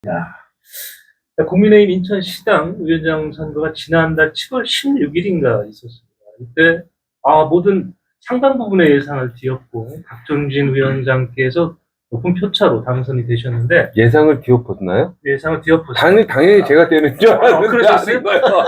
국민의힘 인천시당 위원장 선거가 지난달 7월 16일인가 있었습니다. 이때 모든 상당 부분의 예상을 뒤엎고 박종진 위원장께서 높은 표차로 당선이 되셨는데 예상을 뒤엎었나요? 예상을 뒤엎었어요. 당연히 제가 되는 줄 알았는데. 그러셨어요?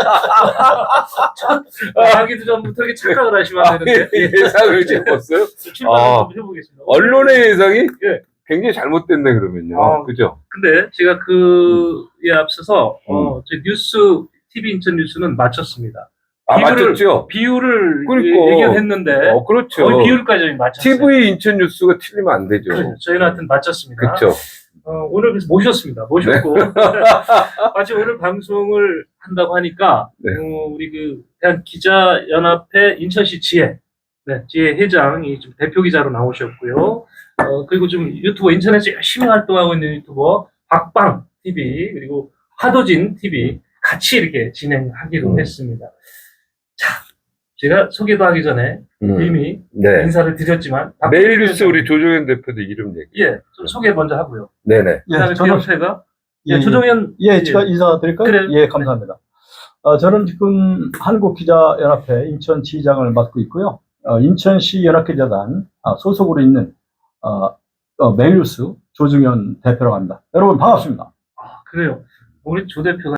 하기도 전부터 이렇게 착각을 하시면 안 되는데 예상을 뒤엎었어요? 출발 한번 해보겠습니다. 언론의 예상이 예. 굉장히 잘못됐네, 그러면요. 그죠? 근데 제가 그에 앞서서 저희 뉴스 TV 인천 뉴스는 마쳤습니다. 맞췄죠? 비율을 그러니까. 예견했는데 그렇죠. 거의 비율까지 맞췄어요. TV 인천 뉴스가 틀리면 안 되죠. 그렇죠. 저희는 하여튼 마쳤습니다. 그렇죠. 오늘 그래서 모셨습니다. 모셨고 마치 오늘 방송을 한다고 하니까 네. 우리 대한 기자연합회 인천시 지혜 지혜 회장이 좀 대표 기자로 나오셨고요. 그리고 좀 유튜버 인천에서 열심히 활동하고 있는 유튜버 박방 TV 그리고 화도진 TV 같이 이렇게 진행하기로 했습니다. 자, 제가 소개도 하기 전에 이미 네. 인사를 드렸지만 메일뉴스 우리 조정현 대표도 이름 얘기. 좀 소개 먼저 하고요. 네네. 그다음에 비협회가 조정현 제가 인사드릴까요? 그래요. 예, 감사합니다. 저는 지금 한국기자연합회 인천지장을 맡고 있고요. 인천시 연합기자단 소속으로 있는 메일뉴스 조정현 대표라고 합니다. 여러분 반갑습니다. 그래요. 우리 조 대표가